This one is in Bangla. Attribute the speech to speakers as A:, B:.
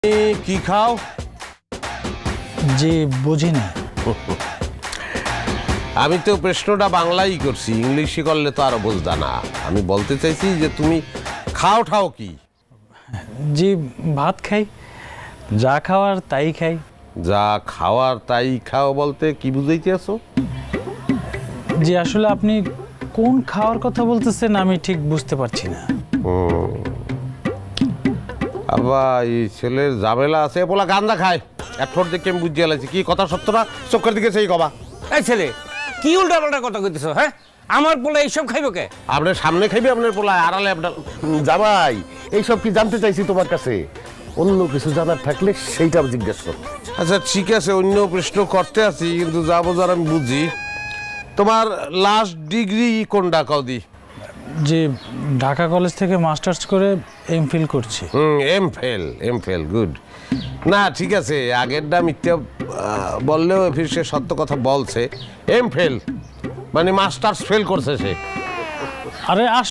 A: কি খাও?
B: জি বুঝি না।
A: আমি তো প্রশ্নটা বাংলাই করছি, ইংলিশে করলে তো আরো বুঝতা না। আমি বলতে চাইছি যে তুমি খাও কি?
B: জি ভাত খাই, যা খাওয়ার তাই খাই।
A: যা খাওয়ার তাই খাও বলতে কি বুঝাইতে আছো?
B: জি আসলে আপনি কোন খাওয়ার কথা বলতেছেন আমি ঠিক বুঝতে পারছি না।
A: আবার এই ছেলের ঝামেলা আছে, পোলা গান্দা খায়। এক ঠোঁট দেখে আমি বুঝিয়ে লাগছি কি কথা সত্য না, চোখের দিকে সেই কবা।
C: এই ছেলে কি উল্টা পাল্টা কথা কইতেছ? হ্যাঁ, আমার পোলা এইসব খাইব কে?
A: আপনার সামনে খাইবে আপনার পোলা, আড়ালে আপনার।
D: জামাই এইসব কি জানতে চাইছি তোমার কাছে? অন্য কিছু জানার থাকলে সেইটা জিজ্ঞেস করো।
A: আচ্ছা ঠিক আছে, অন্য প্রশ্ন করতে আছি, কিন্তু যা বোঝার আমি বুঝি। তোমার লাস্ট ডিগ্রি কোনটা কদি?
B: যে ঢাকা কলেজ থেকে মাস্টার্স করে এমফিল করছি।
A: M fail good. না ঠিক আছে, আগেরটা মিথ্যা বললেও ফির সে সত্য কথা বলছে। এম ফেল মানে মাস্টার্স ফেল করছে সে।
B: আরে